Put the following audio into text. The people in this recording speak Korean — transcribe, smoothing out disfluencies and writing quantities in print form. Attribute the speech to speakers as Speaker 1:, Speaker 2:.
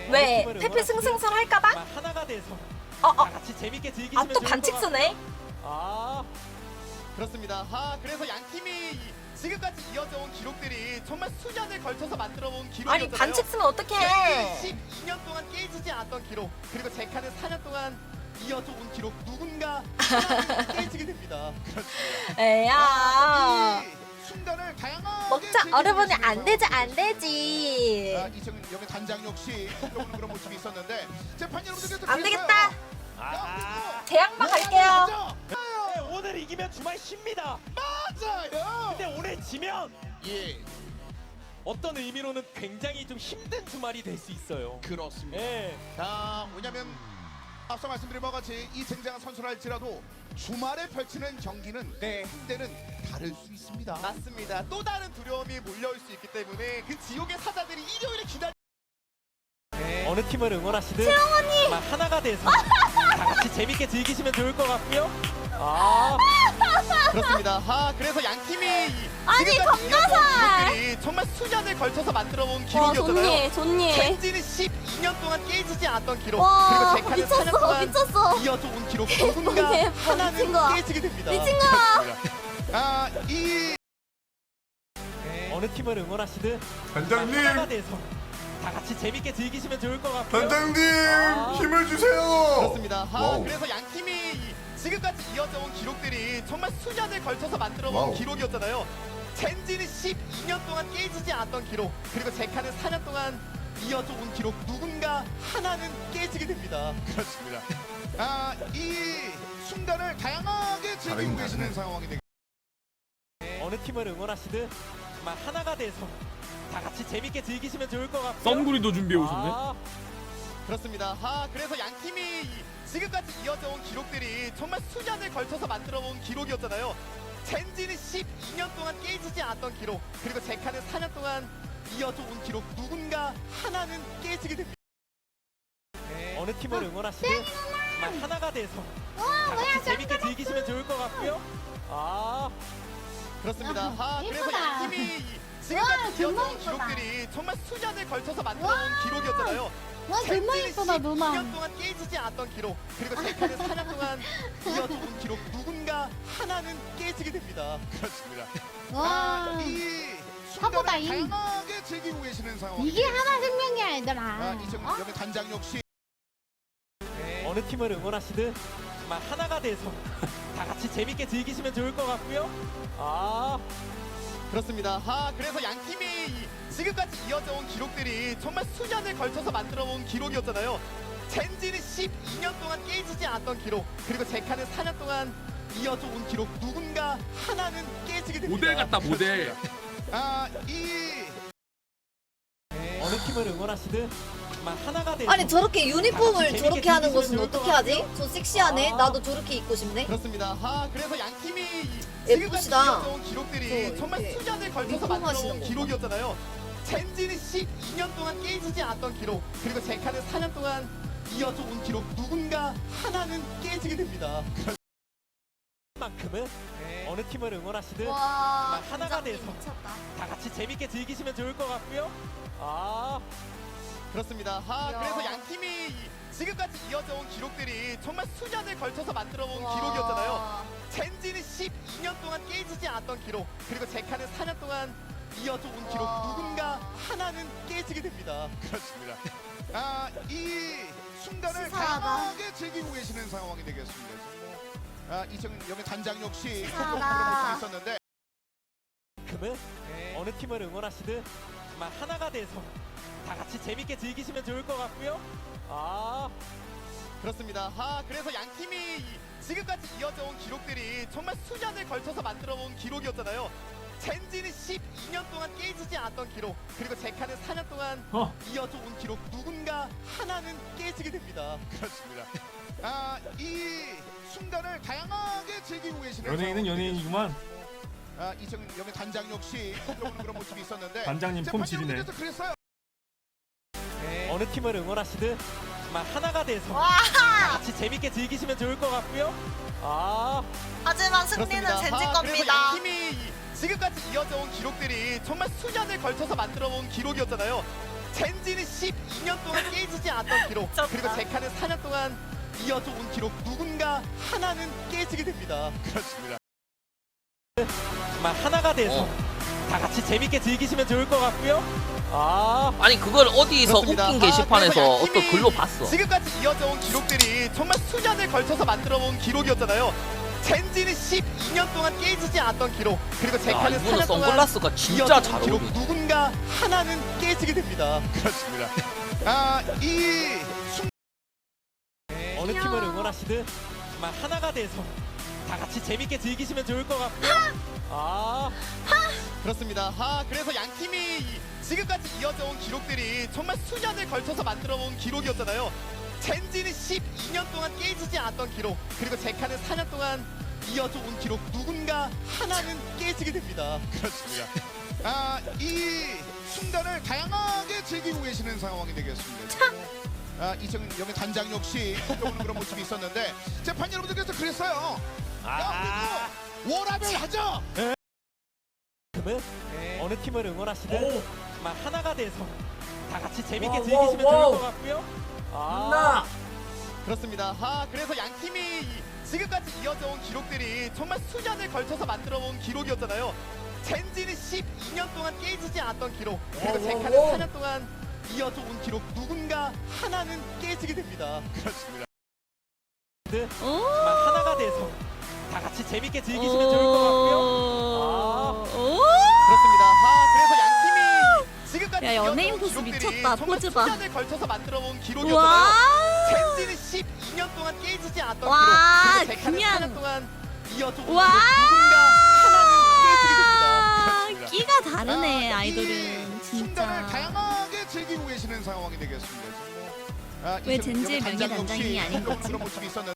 Speaker 1: 왜 해피 승승설 할까봐?
Speaker 2: 하나가 돼서
Speaker 1: 다
Speaker 2: 같이 재밌게 즐기시면
Speaker 1: 또 반칙 쓰네.
Speaker 3: 그렇습니다. 그래서 양 팀이 지금까지 이어져온 기록들이 정말 수년을 걸쳐서 만들어온 기록이었잖아요.
Speaker 1: 아니 반칙 쓰면 어떡해.
Speaker 3: 12년 동안 깨지지 않았던 기록, 그리고 제카는 4년 동안 이어져 온 기록, 누군가 하나는 깨지게 됩니다. 그렇습니다.
Speaker 1: 에야.
Speaker 3: 이 순간을 다양하게
Speaker 1: 먹자 어려보니
Speaker 3: 즐기고
Speaker 1: 안 되지 안 되지.
Speaker 3: 이승 여기 단장 역시 들어오는 그런 모습이 있었는데 재판 여러분들께서
Speaker 1: 안 되겠다.
Speaker 3: 야,
Speaker 1: 제약만 갈게요.
Speaker 2: 오늘 이기면 주말 쉽니다.
Speaker 3: 맞아요.
Speaker 2: 근데 오늘 지면
Speaker 3: 예,
Speaker 2: 어떤 의미로는 굉장히 좀 힘든 주말이 될 수 있어요.
Speaker 3: 그렇습니다.
Speaker 2: 예.
Speaker 3: 왜냐면 앞서 말씀드린 바와 같이 이 쟁쟁한 선수랄지라도 주말에 펼치는 경기는 한때는 다를 수 있습니다. 맞습니다. 또 다른 두려움이 몰려올 수 있기 때문에 그 지옥의 사자들이 일요일에 기다리.
Speaker 2: 어느 팀을 응원하시든 채영언니 하나가 돼서 다 같이 재밌게 즐기시면 좋을 것 같고요.
Speaker 3: 그렇습니다. 그래서 양 팀이
Speaker 1: 아니,
Speaker 3: 검가살 기록들이 정말 수년을 걸쳐서 만들어온 기록이었잖아요.
Speaker 1: 좋니.
Speaker 3: 젠지는 12년 동안 깨지지 않았던 기록,
Speaker 1: 와,
Speaker 3: 그리고 제카는 4년 동안
Speaker 1: 미쳤어.
Speaker 3: 이어져 온 기록, 누군가
Speaker 1: 미친
Speaker 3: 하나는
Speaker 1: 거야.
Speaker 3: 깨지게 됩니다.
Speaker 1: 미친 거야.
Speaker 3: 이
Speaker 2: 어느 팀을 응원하시든
Speaker 4: 단장님!
Speaker 2: 하나가 돼서 다 같이 재밌게 즐기시면 좋을 것 같고요.
Speaker 4: 단장님 힘을 주세요.
Speaker 3: 그렇습니다.
Speaker 4: 와우.
Speaker 3: 그래서 양 팀이 지금까지 이어져 온 기록들이 정말 수년을 걸쳐서 만들어온
Speaker 4: 와우.
Speaker 3: 기록이었잖아요. 젠지는 12년 동안 깨지지 않았던 기록, 그리고 제카는 4년 동안 이어져 온 기록, 누군가 하나는 깨지게 됩니다. 그렇습니다. 이 순간을 다양하게 즐기고 계시는 상황이 되겠습니다.
Speaker 2: 어느 팀을 응원하시든 하나가 돼서 다 같이 재밌게 즐기시면 좋을 것 같고요.
Speaker 5: 썬구리도 준비해 오셨네.
Speaker 3: 그렇습니다. 그래서 양 팀이 지금까지 이어져 온 기록들이 정말 수년을 걸쳐서 만들어온 기록이었잖아요. 젠지는 12년 동안 깨지지 않았던 기록, 그리고 제카는 4년 동안 이어져 온 기록, 누군가 하나는 깨지게 됩니다.
Speaker 2: 어느 팀을 응원하시든 하나가 돼서 다 같이 재밌게 즐기시면 좋을 것 같고요.
Speaker 3: 그렇습니다. 그래서 양 팀이 지금까지 이어져 온 기록들이 정말 수년을 걸쳐서 만들어온 기록이었잖아요.
Speaker 6: 와 정말 예쁘다
Speaker 3: 12년
Speaker 6: 누나.
Speaker 3: 동안 깨지지 않았던 기록, 그리고 제카는 4년 동안 이어져 온 기록, 누군가 하나는 깨지게 됩니다. 그렇습니다.
Speaker 6: 와
Speaker 3: 이
Speaker 6: 사보다
Speaker 3: 순간을
Speaker 6: 이-
Speaker 3: 다양하게 즐기고 계시는 상황.
Speaker 6: 이게 하나 생명이야 얘들아.
Speaker 3: 이승 여기 단장 역시
Speaker 2: 어느 팀을 응원하시든 하나가 돼서 다 같이 재밌게 즐기시면 좋을 것 같고요.
Speaker 3: 그렇습니다. 그래서 양 팀이 지금까지 이어져 온 기록들이 정말 수년을 걸쳐서 만들어온 기록이었잖아요. 젠지는 12년 동안 깨지지 않았던 기록, 그리고 제카는 4년 동안 이어져 온 기록, 누군가 하나는 깨지게 됩니다.
Speaker 5: 모델 같다 모델.
Speaker 3: 이
Speaker 2: 어느 팀을 응원하시든 하나가 돼서
Speaker 1: 아니 저렇게 유니폼을
Speaker 2: 재밌게
Speaker 1: 저렇게 하는 것은
Speaker 2: 즐기시면
Speaker 1: 어떻게 하지? 저 섹시하네. 나도 저렇게 입고 싶네.
Speaker 3: 그렇습니다. 그래서 양 팀이 지금까지
Speaker 1: 예쁘시다.
Speaker 3: 이어져 온 기록들이
Speaker 1: 저
Speaker 3: 정말
Speaker 1: 이렇게
Speaker 3: 수년을 걸쳐서
Speaker 1: 유니폼 하시는
Speaker 3: 만들어온
Speaker 1: 거.
Speaker 3: 기록이었잖아요. 젠지는 12년 동안 깨지지 않았던 기록, 그리고 제카는 4년 동안 이어져 온 기록, 누군가 하나는 깨지게 됩니다.
Speaker 2: 만큼은 어느 팀을 응원하시든
Speaker 1: 와
Speaker 2: 하나가 돼서
Speaker 1: 미쳤다.
Speaker 2: 다 같이 재밌게 즐기시면 좋을 것 같고요.
Speaker 3: 그렇습니다. 그래서 양 팀이 지금까지 이어져 온 기록들이 정말 수년을 걸쳐서 만들어온 기록이었잖아요. 젠지는 12년 동안 깨지지 않았던 기록, 그리고 제카는 4년 동안 이어져 온 기록, 누군가 하나는 깨지게 됩니다. 그렇습니다. 이 순간을
Speaker 1: 치사하다.
Speaker 3: 다양하게 즐기고 계시는 상황이 되겠습니다. 이승 여기 단장 역시
Speaker 1: 치사하다.
Speaker 3: 그런 모습이 있었는데
Speaker 2: 만큼은 어느 팀을 응원하시든 하나가 돼서 다 같이 재밌게 즐기시면 좋을 것 같고요.
Speaker 3: 그렇습니다. 그래서 양 팀이 지금까지 이어져 온 기록들이 정말 수년을 걸쳐서 만들어온 기록이었잖아요. 젠지는 12년 동안 깨지지 않았던 기록, 그리고 제카는 4년 동안 이어져 온 기록, 누군가 하나는 깨지게 됩니다. 그렇습니다. 이 순간을 다양하게 즐기고 계시는
Speaker 5: 연예인은
Speaker 3: 상황이
Speaker 5: 연예인이구만.
Speaker 3: 이승 여기 단장 역시 들어오는 그런 모습이 있었는데
Speaker 5: 단장님 폼 지리네.
Speaker 3: 재판장님께서 그랬어요.
Speaker 2: 어느 팀을 응원하시든 하나가 돼서
Speaker 1: 와.
Speaker 2: 다 같이 재밌게 즐기시면 좋을 것 같고요.
Speaker 1: 하지만 승리는
Speaker 3: 그렇습니다.
Speaker 1: 젠지
Speaker 3: 그래서
Speaker 1: 겁니다.
Speaker 3: 양 팀이 지금까지 이어져 온 기록들이 정말 수년을 걸쳐서 만들어온 기록이었잖아요. 젠지는 12년 동안 깨지지 않았던 기록, 그리고 제카는 4년 동안 이어져 온 기록, 누군가 하나는 깨지게 됩니다.
Speaker 4: 그렇습니다.
Speaker 2: 정말 하나가 돼서 다 같이 재밌게 즐기시면 좋을 것 같고요.
Speaker 7: 아니 그걸 어디서
Speaker 3: 그렇습니다.
Speaker 7: 웃긴 게시판에서
Speaker 3: 그래서
Speaker 7: 어떤
Speaker 3: 양팀이
Speaker 7: 글로 봤어.
Speaker 3: 지금까지 이어져 온 기록들이 정말 수년을 걸쳐서 만들어 온 기록이었잖아요. 젠지는 12년 동안 깨지지 않았던 기록, 그리고
Speaker 7: 야,
Speaker 3: 제카는
Speaker 7: 이분은
Speaker 3: 4년 동안
Speaker 7: 선글라스가 진짜
Speaker 3: 이어져
Speaker 7: 잘
Speaker 3: 온 기록,
Speaker 7: 어울린다.
Speaker 3: 누군가 하나는 깨지게 됩니다.
Speaker 4: 그렇습니다. 이
Speaker 2: 어느 팀을 응원하시든 정말 하나가 돼서 다 같이 재밌게 즐기시면 좋을 것 같고요.
Speaker 3: 그렇습니다. 그래서 양 팀이 지금까지 이어져 온 기록들이 정말 수년을 걸쳐서 만들어 온 기록이었잖아요. 젠지는 12년 동안 깨지지 않았던 기록, 그리고 제카는 4년 동안 이어져 온 기록, 누군가 하나는 깨지게 됩니다.
Speaker 4: 그렇습니다. 이 순간을 다양하게 즐기고 계시는 상황이 되겠습니다. 이승 여기 단장 역시 오는 그런 모습이 있었는데 재판 여러분들께서 그랬어요. 야, 우리도 워라벨 하자.
Speaker 2: 그러면 어느 팀을 응원하시든 정말 하나가 돼서 다 같이 재밌게 즐기시면 좋을 것 같고요.
Speaker 3: 그렇습니다. 그래서 양 팀이 지금까지 이어져 온 기록들이 정말 수년을 걸쳐서 만들어 온 기록이었잖아요. 젠지는 12년 동안 깨지지 않았던 기록, 그리고 제카는 4년 동안 이어져 온 기록, 누군가 하나는 깨지게 됩니다.
Speaker 4: 그렇습니다.
Speaker 2: 정말 하나가 돼서 다 같이 재밌게 즐기시면 좋을 것 같고요.
Speaker 3: 그렇습니다. 그래서 양 팀이 지금까지
Speaker 1: 야,
Speaker 3: 이어져
Speaker 1: 연예인
Speaker 3: 온
Speaker 1: 포즈
Speaker 3: 기록들이
Speaker 1: 미쳤다.
Speaker 3: 정말
Speaker 1: 포즈 봐.
Speaker 3: 수년을 걸쳐서 만들어 온
Speaker 1: 와.
Speaker 3: 기록이었잖아요. 젠지는 12년 동안 깨지지 않았던
Speaker 1: 와,
Speaker 3: 기록, 그리고 제카는
Speaker 1: 그냥.
Speaker 3: 4년 동안 이어져 온
Speaker 1: 와.
Speaker 3: 기록, 누군가 하나는 깨지게 됩니다.
Speaker 1: 끼가 다르네
Speaker 4: 이
Speaker 1: 아이돌은
Speaker 4: 순간을
Speaker 1: 진짜.
Speaker 4: 다양하게 즐기고 계시는 상황이 되겠습니다.
Speaker 1: 왜
Speaker 4: 이승
Speaker 1: 젠지의
Speaker 4: 여기 단장
Speaker 1: 명예단장이
Speaker 4: 역시
Speaker 1: 아닌 거지?
Speaker 4: 그런 모습이 있었는데.